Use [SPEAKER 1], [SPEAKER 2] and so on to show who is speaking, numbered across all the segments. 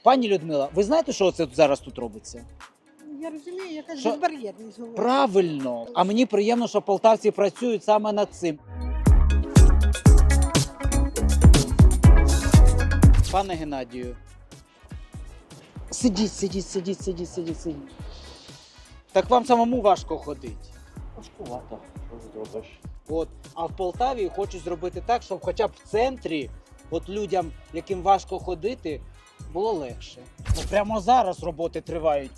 [SPEAKER 1] Пані Людмила, ви знаєте, що це зараз тут робиться?
[SPEAKER 2] Я розумію, якась
[SPEAKER 1] Що?
[SPEAKER 2] безбар'єрність говорить.
[SPEAKER 1] Правильно. А мені приємно, що полтавці працюють саме над цим. Пане Геннадію, сидіть. Так вам самому важко ходити.
[SPEAKER 3] Важкувато, що зробиш.
[SPEAKER 1] От. А в Полтаві хочуть зробити так, щоб хоча б в центрі от людям, яким важко ходити, було легше. Ну, прямо зараз роботи тривають.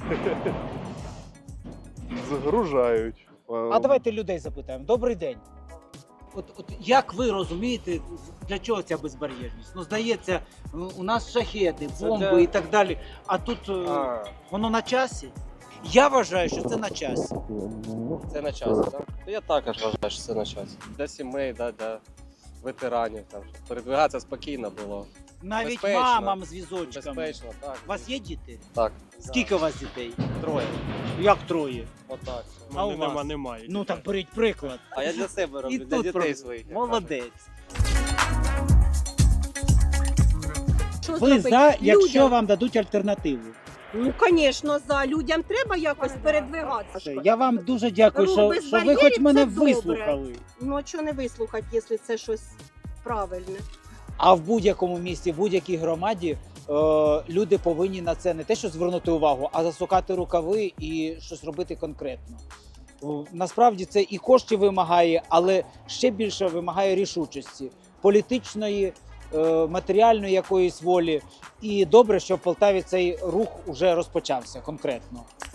[SPEAKER 3] Загружають.
[SPEAKER 1] А давайте людей запитаємо. Добрий день. От як ви розумієте, для чого ця безбар'єрність? Ну, здається, у нас шахеди, бомби і так далі. А тут воно на часі? Я вважаю, що це на часі.
[SPEAKER 4] Це на часі, так? Я також вважаю, що це на часі. Для сімей, для ветеранів, там, щоб передвигатися спокійно було.
[SPEAKER 1] Навіть
[SPEAKER 4] Безпечно.
[SPEAKER 1] мамам з візочками.
[SPEAKER 4] Безпечно, так.
[SPEAKER 1] У вас є діти?
[SPEAKER 4] Так.
[SPEAKER 1] Скільки у вас дітей?
[SPEAKER 4] Троє.
[SPEAKER 1] Як троє?
[SPEAKER 4] Отак.
[SPEAKER 1] А у вас?
[SPEAKER 5] Немає.
[SPEAKER 1] Ну так беріть приклад.
[SPEAKER 4] А я для себе роблю,
[SPEAKER 1] І
[SPEAKER 4] для
[SPEAKER 1] тут
[SPEAKER 4] дітей
[SPEAKER 1] про-
[SPEAKER 4] своїх. як
[SPEAKER 1] Молодець.
[SPEAKER 2] Що
[SPEAKER 1] Ви
[SPEAKER 2] зробити?
[SPEAKER 1] за, якщо
[SPEAKER 2] Людям,
[SPEAKER 1] вам дадуть альтернативу.
[SPEAKER 2] Ну, звісно, за. Людям треба якось передвигатися.
[SPEAKER 1] Я вам дуже дякую,
[SPEAKER 2] Рух
[SPEAKER 1] що
[SPEAKER 2] без
[SPEAKER 1] ви
[SPEAKER 2] бар'єрів
[SPEAKER 1] хоч мене
[SPEAKER 2] це добре.
[SPEAKER 1] вислухали.
[SPEAKER 2] Ну, а чого не вислухати, якщо це щось правильне?
[SPEAKER 1] А в будь-якому місті, в будь-якій громаді люди повинні на це не те, що звернути увагу, а засукати рукави і щось робити конкретно. Насправді це і коштів вимагає, але ще більше вимагає рішучості, політичної, матеріальної якоїсь волі. І добре, що в Полтаві цей рух уже розпочався конкретно.